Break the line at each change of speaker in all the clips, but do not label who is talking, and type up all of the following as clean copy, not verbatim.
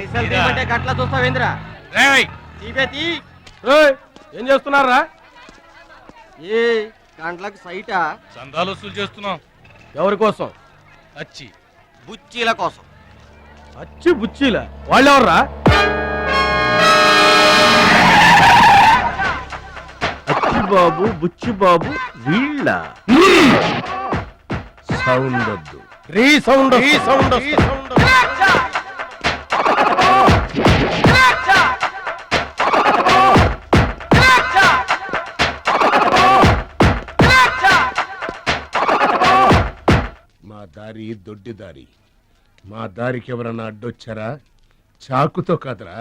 పైసలు తీయమంటే గట్ల చూస్తావేంద్రా?
ఏం చేస్తున్నారా?
ఏ గంటలకు సైటా?
చందాలు వసూలు చేస్తున్నాం.
ఎవరి కోసం?
అచ్చి
బుచ్చీల కోసం.
అచ్చి బుచ్చీల వాళ్ళెవర్రా?
అచ్చి బాబు బుచ్చి బాబు వీళ్ళ సౌండ్ వద్దు.
రీ సౌండ్
మా దారి దొడ్డి దారి. మా దారికి ఎవరన్నా అడ్డొచ్చారా? చాకుతో కాదురా,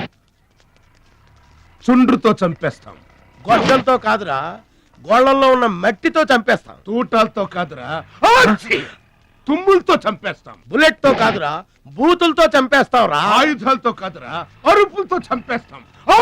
చుండ్రుతో చంపేస్తాం.
గొడ్డలతో కాదురా, గోళ్లలో ఉన్న మట్టితో చంపేస్తాం.
తూటాలతో కాదురా, తుమ్ములతో చంపేస్తాం.
బుల్లెట్ తో కాదురా, బూతులతో చంపేస్తాం రా.
ఆయుధాలతో కాదురా, అరుపులతో చంపేస్తాం.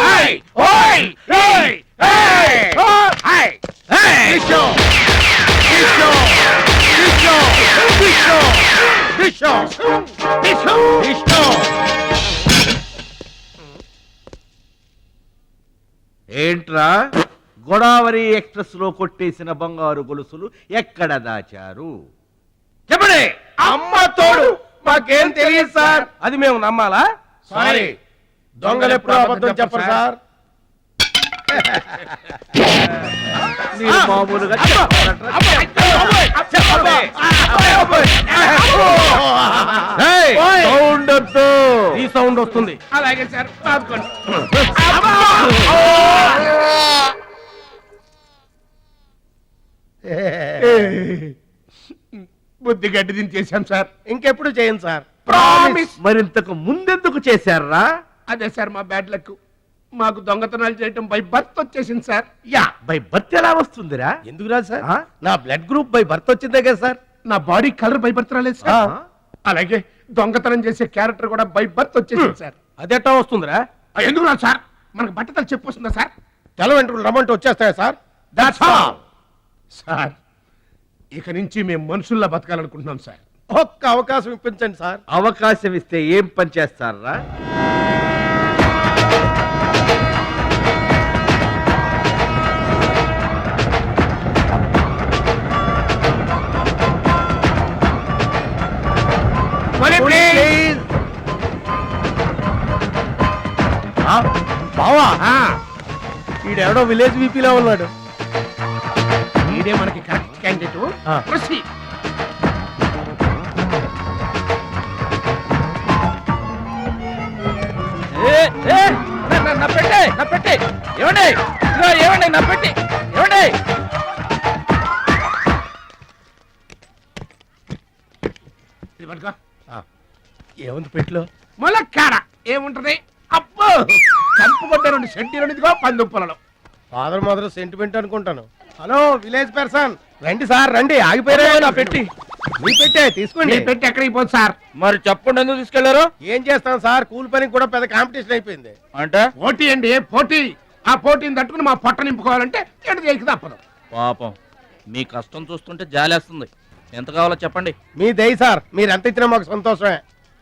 ఏంట్రా గోదావరి ఎక్స్ప్రెస్ లో కొట్టేసిన బంగారు గొలుసులు ఎక్కడ దాచారు?
చెప్పండి. అమ్మ తోడు మాకేం తెలియదు సార్. అది మేము నమ్మాలా?
సారీ,
దొంగలు ఎప్పుడు అబద్ధం చెప్పరు సార్.
మీరు మామూలుగా సౌండ్ వద్దు.
ఈ సౌండ్ వస్తుంది.
అలాగే సార్. బుద్ధి గడ్డి దించేశాం సార్.
ఇంకెప్పుడు చేయండి సార్.
ప్రామిస్.
మరింతకు ముందెందుకు చేశారా?
అదే సార్ మా బ్యాడ్ లక్. మాకు దొంగతనాలు చేయటం బై బర్త్ వచ్చేసింది సార్.
బై బర్త్ ఎలా వస్తుందిరా?
ఎందుకు రాదు సార్?
ఆ?
నా బ్లడ్ గ్రూప్ బై బర్త్ వచ్చిందే కదా సార్.
నా బాడీ కలర్ బై బర్త్ రాలేదు సార్. అలాగే దొంగతనం చేసే క్యారెక్టర్ కూడా బై బర్త్ వచ్చేసింది సార్.
అదెట్టా వస్తుందిరా?
ఎందుకు రాదు సార్? మనకు బట్టతలు చెప్పు వస్తుందా సార్?
తెల్ల వెంట్రుకలు రమ్మంటే వచ్చేస్తాయా సార్?
That's all sir. ఇక నుంచి మేము మనుషుల్లా బతకాలనుకుంటున్నాం సార్.
ఒక్క అవకాశం ఇప్పించండి సార్.
అవకాశం ఇస్తే ఏం పని చేస్తారా?
బావా, ఈడెవడో విలేజ్ వీపీలో ఉన్నాడు.
ఇదే మనకి కరెక్ట్ క్యాండిడేట్. ప్రొసీడ్.
నా పెట్టే ఏమండి, ఏమండి నా పెట్టి ఏమండి.
ఇది పట్టుకో.
ఏముంది పెట్లో?
ములక్కాడ ఏముంటది? అబ్బో, చంపుకొట్ట 2 సెంటీలు ఇదిగో పందుప్పలలో.
ఫాదర్ మదర్ సెంటిమెంట్ అనుకుంటాను. హలో విలేజ్ పర్సన్, రండి సార్ రండి. ఆగిపోయారా నా పెట్టి? మీ పెట్టే తీసుకోండి.
నీ పెట్టి ఎక్కడికి పోదు సార్?
మరి చెప్పండి, ఎందుకు తీసుకెళ్లారు?
ఏం చేస్తాం సార్, కూలి పనికి కూడా పెద్ద కాంపిటీషన్ అయిపోయింది.
అంటే
పోటీ అండి, పోటీ. ఆ పోటీని తట్టుకుని మా పొట్ట నింపుకోవాలంటే ఎటు చేయక తప్పదు.
పాపం, మీ కష్టం చూస్తుంటే జాలేస్తుంది. ఎంత కావాలో చెప్పండి.
మీ దయ సార్, మీరు ఎంత ఇచ్చినా మాకు సంతోషమే.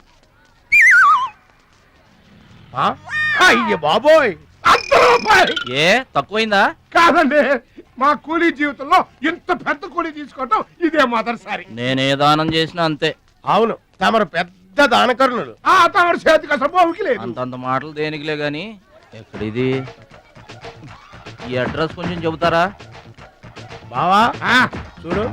అయ్య బాబోయ్,
₹100.
ఏ తక్కువైందా?
కాదండి, మా కూలీ జీవితంలో ఇంత పెద్ద కూలీ తీసుకోవటం ఇదే మొదటిసారి.
నేనే దానం చేసినా అంతే.
అవును, తమరు పెద్ద దానకరుణులు.
ఆ తమరి చేతికి అసలు బావుకి లేదు.
అంతంత మాటలు దేనికిలే గాని, ఎక్కడిది? ఈ అడ్రస్ కొంచెం చెబుతారా?
బావా
ఆ,
చూడు.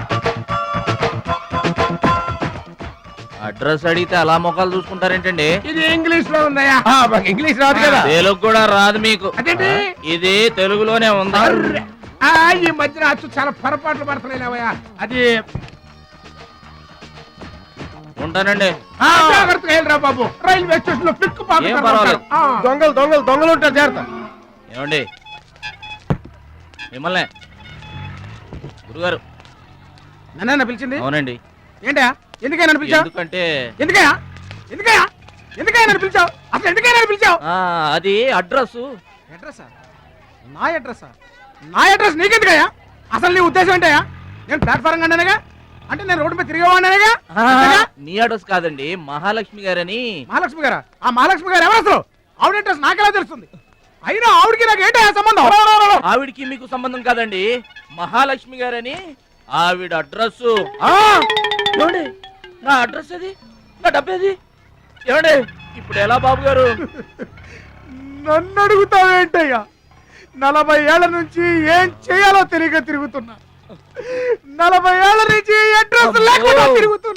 అడ్రస్ అడిగితే అలా మొక్కలు చూసుకుంటారేంటండి?
ఇది ఇంగ్లీష్ లో ఉందయ్యా.
మాకు ఇంగ్లీష్ రాదు కదా.
తెలుగు కూడా రాదు మీకు?
అదేంటి?
ఇది తెలుగులోనే ఉంది.
ఆ, ఈ మధ్యన అచ్చు చాలా పొరపాట్లు పడుతున్నాయిలేవయ్యా. అది
ఉంటానండి.
జాగ్రత్తగా వెళ్ళరా బాబు. రైల్వే స్టేషన్ లో పిక్కు
ఏం పర్వాలేదు.
దొంగలు దొంగలు దొంగలు ఉంటారు, జాగ్రత్త.
ఏమండి, మిమ్మల్ని గురుగారు.
నన్న పిలిచింది?
అవునండి.
ఏంటా? ఎందుకైనా పిలిచావు?
ఎందుకంటే
ఎందుకయ్యా? ఎందుకయ్యా? ఎందుకైనా పిలిచావు? అసలు ఎందుకైనా పిలిచావు?
అది అడ్రస్.
అడ్రస్? నా అడ్రస్? నా అడ్రస్ నీకెందుకయ్యా? అసలు నీ ఉద్దేశం ఏంటయ్యా? నేను ప్లాట్ఫారం కండానగా. అంటే నేను రోడ్డు మీద తిరిగేవాడినేగా
నీ అడ్రస్ కాదండి, మహాలక్ష్మి గారని.
మహాలక్ష్మి గారా? ఆ మహాలక్ష్మి గారు ఎవరు అసలు? ఆవిడ అడ్రస్ నాకెలా తెలుస్తుంది? అయినా ఆవిడకి నాకు ఏంటో సంబంధం?
ఆవిడికి మీకు సంబంధం కాదండి, మహాలక్ష్మి గారని ఆవిడ అడ్రస్. ఏమండి నా అడ్రస్ అది, నా డబ్బేది? ఏమండి ఇప్పుడు ఎలా బాబు గారు?
నన్ను అడుగుతావేంటయ్యా? 40 ఏళ్ల నుంచి ఏం చేయాలో తెలియక తిరుగుతున్నా. 40 ఏళ్ల నుంచి అడ్రస్ లేకుండా తిరుగుతున్నా.